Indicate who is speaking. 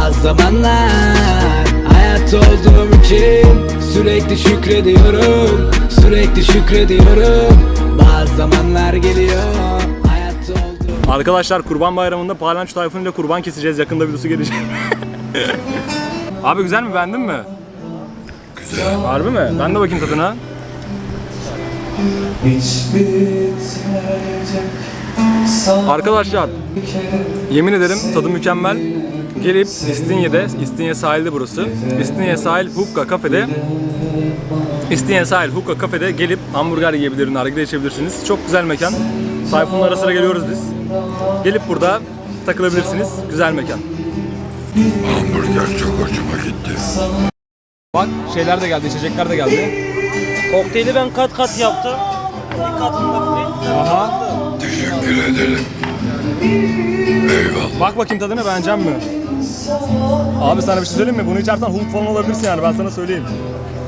Speaker 1: Bazı zamanlar hayat olduğum için sürekli şükrediyorum, sürekli şükrediyorum. Bazı zamanlar geliyor hayat olduğum.
Speaker 2: Arkadaşlar Kurban Bayramı'nda Palanço Tayfun ile kurban keseceğiz. Yakında videosu gelecek. Abi güzel mi? Beğendin mi?
Speaker 3: Güzel.
Speaker 2: Harbi mi? Ben de bakayım tadına. Arkadaşlar yemin ederim tadı mükemmel. Gelip İstinye'de, İstinye sahilde burası. İstinye sahil Hukka kafede gelip hamburger yiyebilir, nargile içebilirsiniz. Çok güzel mekan. Tayfun'la ara sıra geliyoruz biz. Gelip burada takılabilirsiniz. Güzel mekan.
Speaker 3: Hamburger çok hoşuma gitti.
Speaker 2: Bak şeyler de geldi, içecekler de geldi.
Speaker 4: Kokteyli ben kat kat yaptım. Bir katında free.
Speaker 2: Aha.
Speaker 3: Teşekkür ederim. Eyvallah.
Speaker 2: Bak bakayım tadına, beğenecek mi? Abi sana bir şey söyleyeyim mi? Bunu içersen Hulk falan olabilirsin yani, ben sana söyleyeyim.